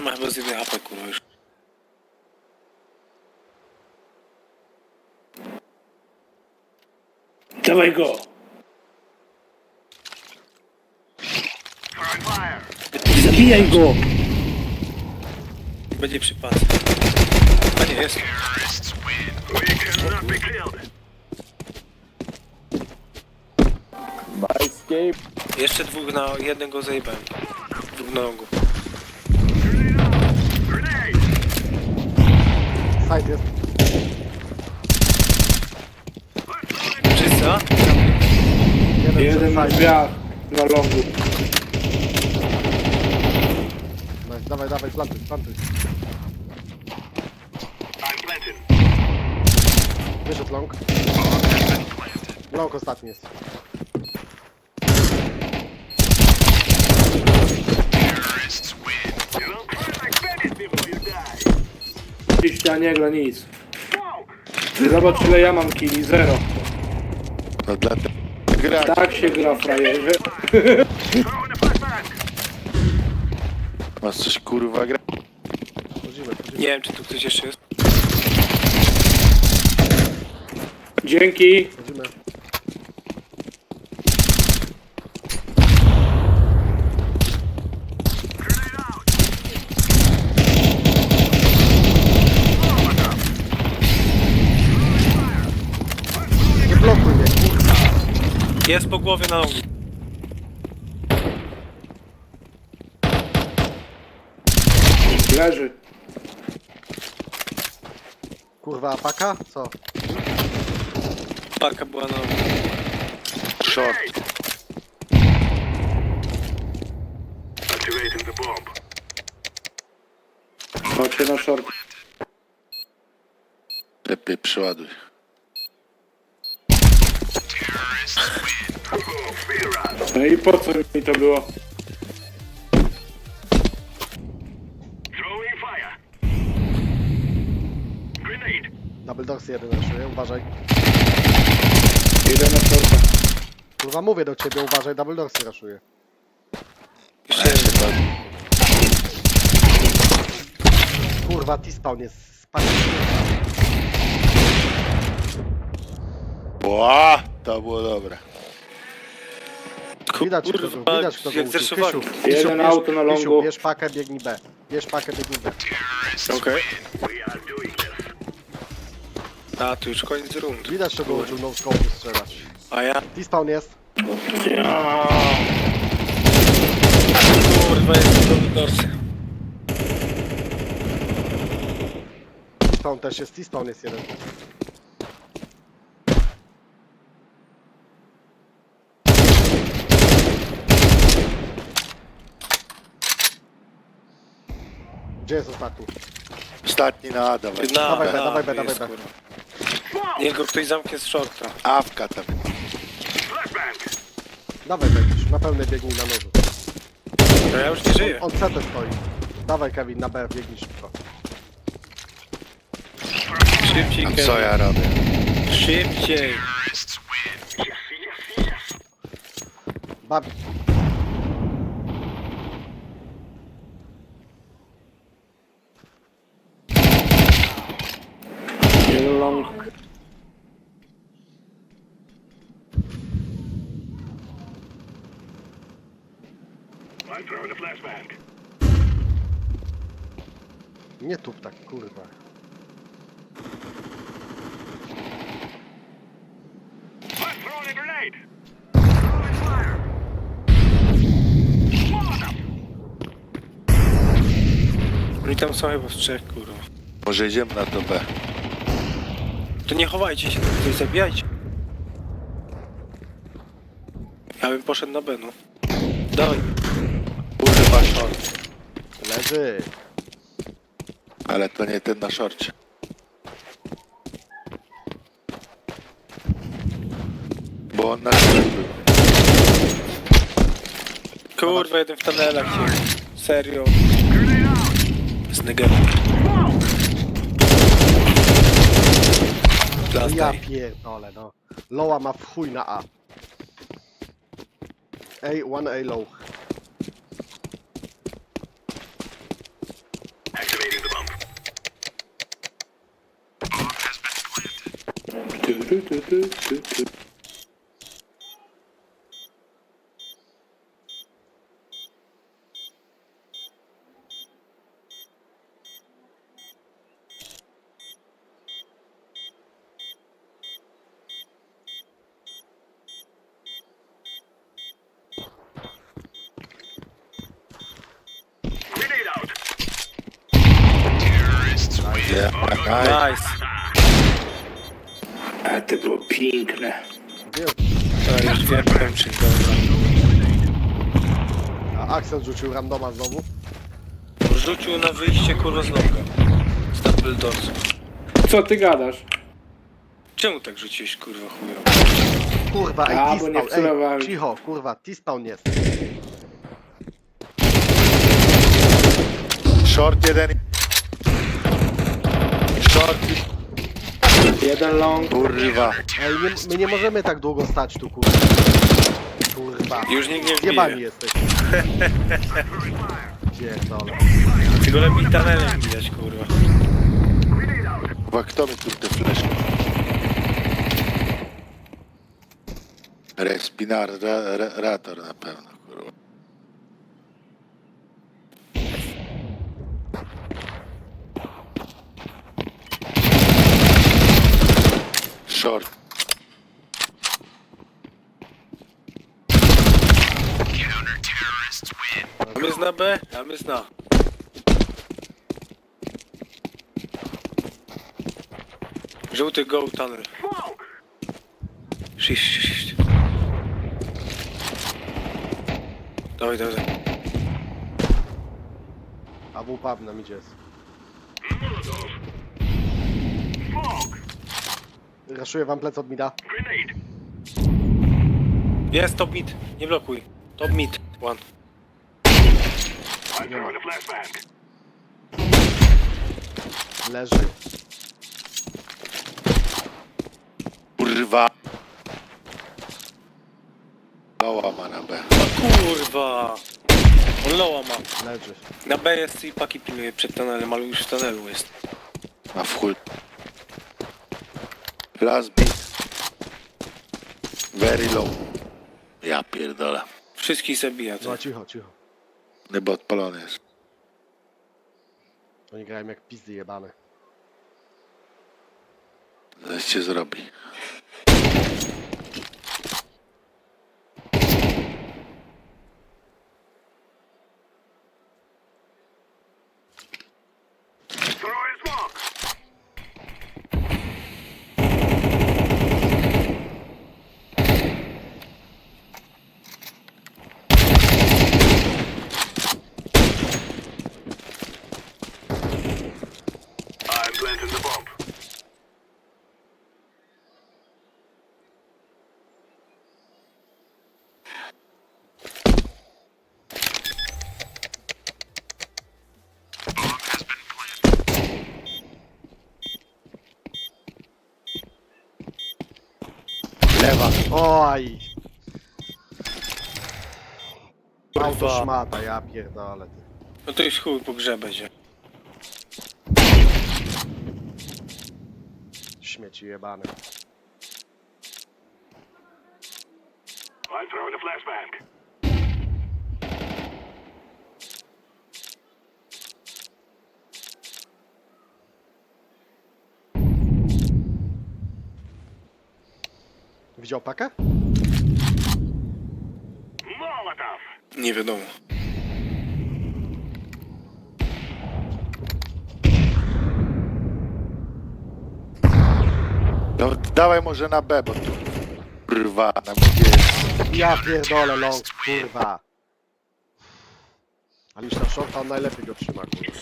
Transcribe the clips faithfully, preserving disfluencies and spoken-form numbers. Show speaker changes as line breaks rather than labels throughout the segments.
Ma chyba z jednej apy, kurwa, już. Dawaj go! Zabijaj go! Będzie przypadek. A nie, jest.
Escape.
Jeszcze dwóch na jednego zajebałem. Dwóch na nogu.
Side jest.
Wszyscy, a?
Jeden,
Jeden na
side.
drzwiach, na longu.
Nice. Dawaj, dawaj, plantuj, plantuj. Wyszedł long. Long ostatni jest.
Oczywiście nie gra nic. Zobacz ile ja mam killi, zero.
No dla gra.
Tak się gra, frajerze.
Masz coś kurwa gra.
Chodzimy, chodzimy.
Nie wiem, czy tu ktoś jeszcze jest.
Dzięki.
Chodzimy. Nie blokuj mnie, kurwa.
Jest po głowie na nogu.
Leży.
Kurwa, paka? Co?
Paka była na nogu.
Short.
Chodźcie na short.
Lepiej przeładuj.
No i po co mi to było?
Double dogs jeden raszuje, uważaj.
Idę na shorta.
Kurwa, mówię do ciebie, uważaj, double dogs raszuje.
Jeszcze jeden.
Kurwa, T-spawn jest spadł.
Ła, to było dobre.
Widać kto go,
Kurwa,
widać kto go
jak
uczył.
zreszowali.
Kysiu,
Jeden
Kysiu, bierz-
auto na longu.
Kysiu, bierz pakę, biegnij B. Bierz pakę, biegnij B.
Okej. A, tu już koniec rundy.
Widać kto go uczył no scope strzelać.
A ja?
T-spawn jest.
Ja.
Kurwa, jest do dorsy.
T-spawn też jest, T-spawn jest jeden. Gdzie jest ostatni?
Ostatni na A, dawaj.
Na,
Dawaj,
na,
B, dawaj, B,
jest,
dawaj, B.
kurwa. Niech go ktoś zamknie z shorta.
Awka tam.
Dawaj będziesz, na pełnej biegnij na nożu.
No ja już nie żyję.
On C T stoi. Dawaj Kevin, na B biegnij szybko.
Szybciej,
A
Kevin.
co ja robię?
Szybciej.
Bawi.
Jeden long.
Nie tup tak, kurwa.
Oni tam są chyba w trzech, kurwa.
Może idziemy na to B.
To nie chowajcie się, tutaj zabijajcie. Ja bym poszedł na B, no. Dawaj.
Kurwa short.
Leży.
Ale to nie ten na szorcie. Bo on na szorcie był.
Kurwa, jeden w tunelach się. Serio. Z negerem.
Ja
Plastaj.
pierdolę, no. Loa ma w chuj na A. A, one A low.
tu, tu, tu, tu, tu.
Yeah, nice.
Nice.
A to było piękne.
Wiem.
To już wiem, kończyć, dobra.
A Axel rzucił randoma znowu.
Rzucił na wyjście kurwa z longa. Z double doors.
Co ty gadasz?
Czemu tak rzuciłeś kurwa chujo?
Kurwa, ej,
A, bo nie
T-spawn,
wcelowałem.
ej, cicho, kurwa, T-spawn jest.
Short jeden. Short.
Jeden long.
Kurwa.
Ej, nie, my nie możemy tak długo stać tu, kurwa. Kurwa.
Już nikt nie
Zjebani
wbije.
jesteś. Pierdolę.
Tylko lepiej tunelem widać kurwa.
Kurwa, kto mi tu te fleszki? Respirator na pewno, kurwa. Short.
Tam jest na B, tam jest na. Żółty go tunnel. Shift, shift, shift. Dawaj, dawaj.
A w pub nam idzie. Raszuję wam plec od mida.
Jest top mid, nie blokuj. Top mid, one.
Nie ma. Leży.
Kurwa. Loła ma na B.
O kurwa. On loła ma.
Leży.
Na B jest i paki pilnuje przed tunelem, ale już w tunelu jest.
Ma w chuj. Last beat. Very low. Ja pierdolę.
Wszystkich zabija.
No
To.
cicho, cicho.
Chyba odpalony jest.
Oni grają jak pizdy jebane.
Zaś cię zrobi. Lewa.
Oj!
Kurwa.
Auto szmata, ja pierdolę. Ty.
No to już chuj po grze będzie.
Śmieci jebane. Widział pakę?
Nie wiadomo.
No dawaj może na B, bo tu kurwa na mnie jest.
Ja pierdolę long, kurwa. Ale już na shorta on najlepiej go trzyma, kurwa.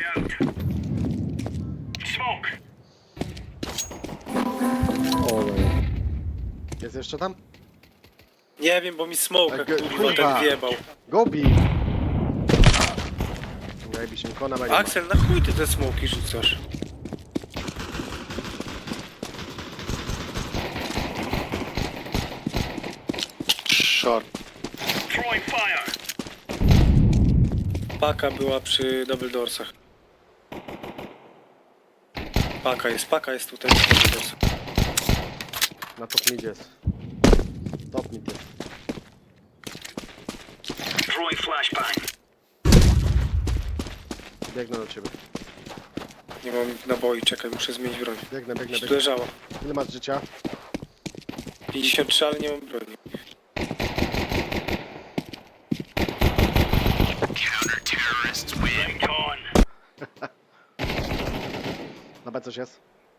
Jest jeszcze tam?
Nie wiem, bo mi smoka
Tak,
kurwa
kurwa.
tak wjebał.
Gobi! Najbyś mi kona będzie.
Axel, na chuj ty te smoki rzucasz?
Short.
Paka była przy double doorsach. Paka jest, paka jest tutaj przy double doorsach.
Na top mid jest. Top mid jest.
Throwing flashbang.
Biegnę do ciebie.
Nie mam naboi, czekaj, muszę zmienić broń.
Biegnę, biegnę,
Gdzieś tu
biegnę.
leżało.
Ile masz życia?
pięćdziesiąt trzy, ale nie mam broni.
I'm gone.
Na B coś jest?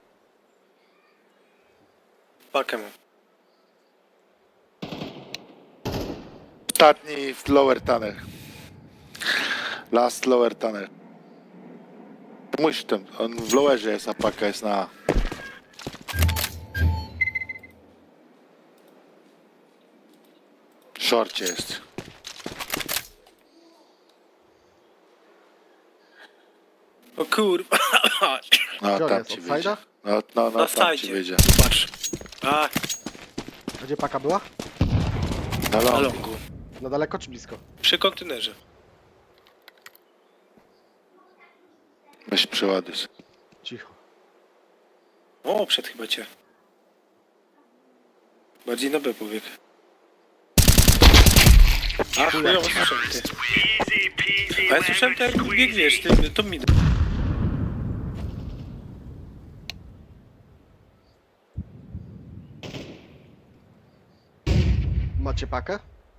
Pakę mam.
Ostatni w lower tunnel. Last lower tunnel. Musi tam, on w lowerze jest, a paka jest na A. W shorcie jest.
O kurwa.
No
Gdzie on
tam
jest?
ci
Od
wyjdzie.
side'a?
No, no, no
Na
tam ci
sajdzie.
wyjdzie.
Patrz. A,
A gdzie paka była?
Na
na
longu.
longu.
Na daleko czy blisko?
Przy kontenerze.
Weź przeładuj. sobie.
Cicho.
O, przed chyba cię. Bardziej na B powiek. A, chujowo słyszałem ty.
Easy peasy.
A ja słyszałem to jak
lemon
biegniesz,
squeezy.
ty, to mi...
Macie pakę?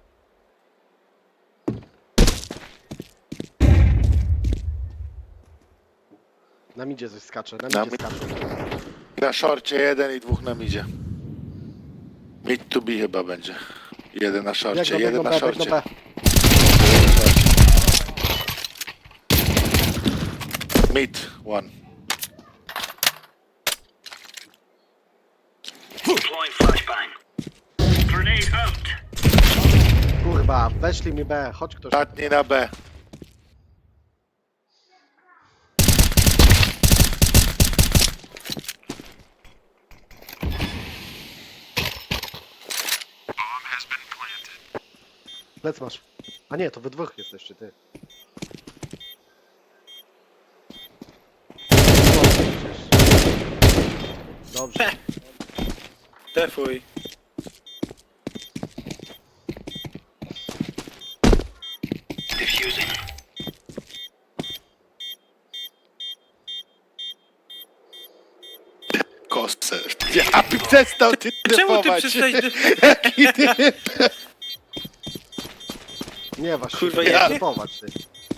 Na midzie coś skacze, na
Na
midzie
mi-
skacze.
Na shorcie jeden i dwóch na midzie. Mid to be chyba będzie. Jeden na shorcie,
Biegną,
jeden
biegną
na
B, biegną
shorcie.
B.
Mid, one.
Deploying flashbang. Grenade out.
Kurwa, weszli mi B, chodź ktoś.
Ostatni na B.
Lec masz. A nie, to wy dwóch jesteście, ty. Dobrze.
Defuj.
Diffusing.
Kostce. Ja by przestał ty
Czemu ty
typować.
przestałeś...
Jaki ty?
Nie właśnie,
Kurwa,
nie
ja-
typować, ty.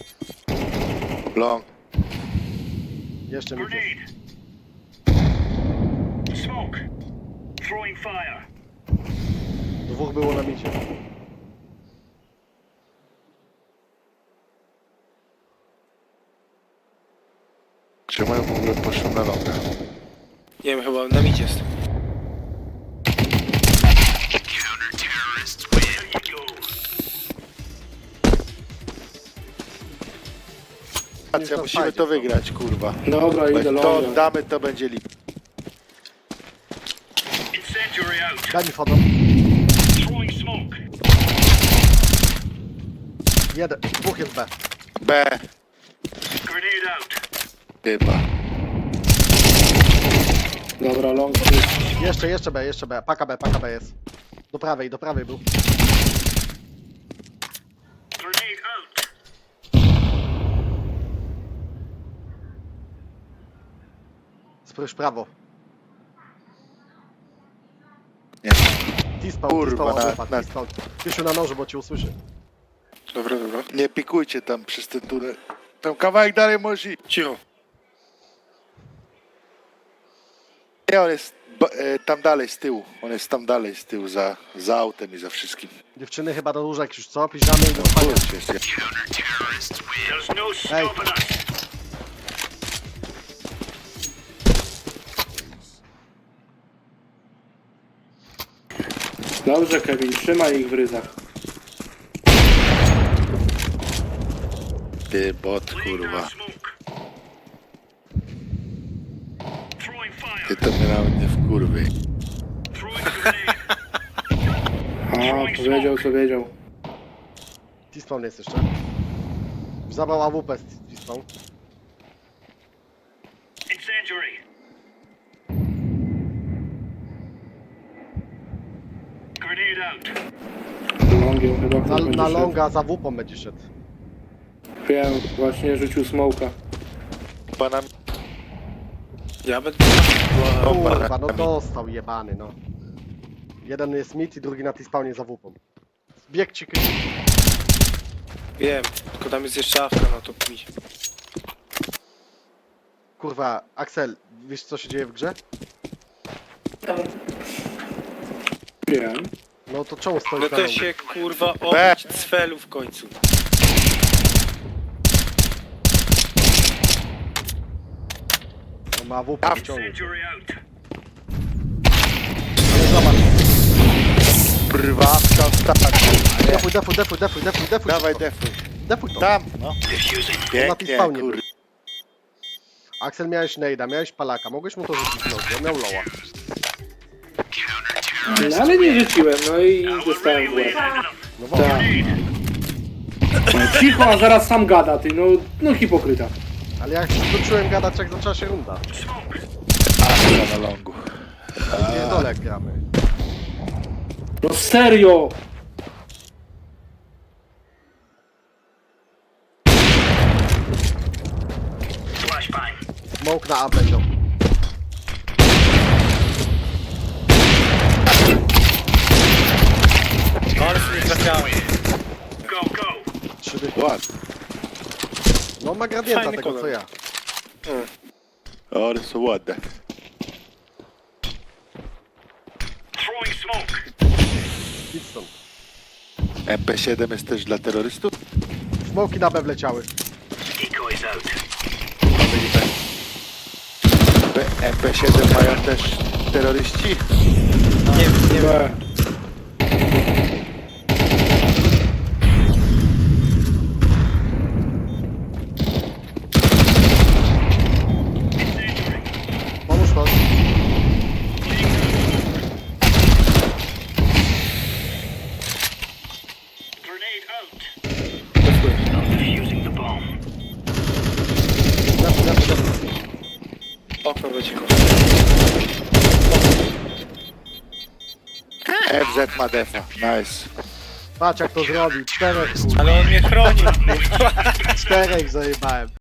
Long.
Jeszcze mi jest.
Grenade. Smoke. Throwing fire.
Dwóch było na midzie.
Czemu ja w ogóle poszłem na longa?
Nie wiem, chyba na midzie jest.
There you go.
Patrzcie, musimy to wygrać, kurwa.
Dobra,
Jak
idę
to
longa.
oddamy, to będzie lip.
Incendiary out.
Daj mi foto.
Throwing smoke.
Jeden, dwóch jest B.
B.
Grenade out.
Chyba.
Dobra, long.
Jeszcze, jeszcze B, jeszcze B. Paka B, paka B jest. Do prawej, do prawej był.
Grenade out.
Spójrz prawo.
Nie.
T-spawn,
Kurwa,
T-spawn,
na-
wypadł,
na-
T-spawn. Piesiu na noży, bo cię usłyszy.
Dobra, dobra.
Nie pikujcie tam przez ten tunel. Tam kawałek dalej może iść.
Cicho.
Nie, on jest ba- e, tam dalej z tyłu. On jest tam dalej z tyłu, za, za autem i za wszystkim.
Dziewczyny chyba do łóżek już co? Piżamy i do spania.
Kurczę, jest.
There's no stopping us.
Dobrze, Kevin, trzymaj ich w ryzach.
Ty bot,
Laying down
kurwa.
smoke. Throwing fire.
Ty to mnie nawet nie wkurwy.
Throwing grenade.
A, powiedział co wiedział.
T-spawn jest jeszcze. Zabrał A W P z T-spawn.
Incendiary. out.
Longiem chyba
Na,
ktoś będzie
na
szedł.
longa za wupą będzie szedł.
Wiem, właśnie rzucił smoka.
Pana...
Ja będę... Wow.
Kurwa, no dostał jebany, no. Jeden jest mid i drugi na tej spawnie za wupą. Bieg ci kry...
Wiem, tylko tam jest jeszcze awka, no to mi.
Kurwa, Axel, wiesz co się dzieje w grze?
Wiem.
No to czemu stoisz
No
na
to
longu?
się kurwa obyć cfelu w końcu.
No ma wupę wyciągnie.
Injury out.
Ale zobacz,
Prywatna ostatnia.
defuj, defuj, defuj, defuj, defuj, defuj.
Dawaj
to.
defuj.
Defuj to.
Tam, no.
Diffusing.
Na tej
Pięknie,
spawnie
kur...
był. Axel, miałeś nejda, miałeś palaka, mogłeś mu to rzucić w nogi, on miał loła.
No, ale nie rzuciłem, no i dostałem w łeb.
No właśnie.
Tak. No, cicho, a zaraz sam gada, ty, no, no hipokryta.
Ale ja skończyłem gadać jak zaczęła się runda.
Astra na longu.
Nie dole gramy.
No serio!
Flashbang.
Smoke na A będą.
Ale sobie nie trafiałem.
Go, go.
Trzy dy...
Ładnie.
No ma gradienta
Fajny
tego
kolor.
co ja.
O, one są ładne.
Throwing smoke.
Idź stąd.
M P siedem jest też dla terrorystów?
Smoki na B wleciały.
Decoys out.
B- M P siedem mają też terroryści?
Nie wiem, nie wiem.
B.
Pomóż pan.
Grenade out. Defusing the bomb.
Defuj, defuj, defuj.
Okno będzie go.
F Z ma defa. Nice.
Patrz jak to zrobił. Czterech kurwa.
Ale on mnie chroni.
Czterech zajebałem.